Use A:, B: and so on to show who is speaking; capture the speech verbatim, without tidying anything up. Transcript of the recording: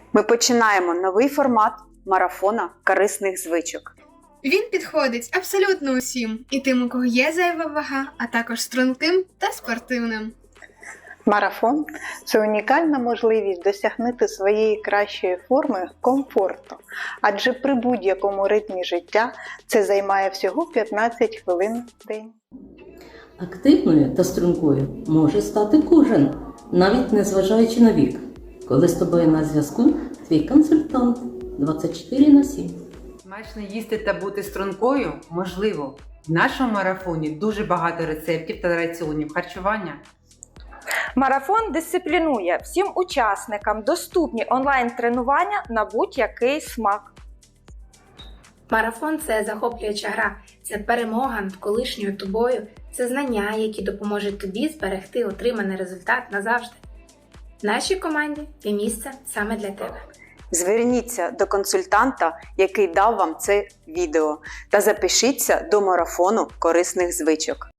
A: Ми починаємо новий формат марафона корисних звичок.
B: Він підходить абсолютно усім, і тим, у кого є зайва вага, а також струнким та спортивним.
C: Марафон – це унікальна можливість досягнути своєї кращої форми комфортно, адже при будь-якому ритмі життя це займає всього п'ятнадцять хвилин в день.
D: Активною та стрункою може стати кожен, навіть незважаючи на вік, коли з тобою на зв'язку твій консультант двадцять чотири на сім.
E: Смачно їсти та бути стрункою можливо. В нашому марафоні дуже багато рецептів та раціонів харчування.
F: Марафон дисциплінує. Всім учасникам доступні онлайн-тренування на будь-який смак.
G: Марафон – це захоплююча гра, це перемога над колишньою тобою, це знання, які допоможуть тобі зберегти отриманий результат назавжди. В нашій команді є місце саме для тебе.
A: Зверніться до консультанта, який дав вам це відео, та запишіться до марафону корисних звичок.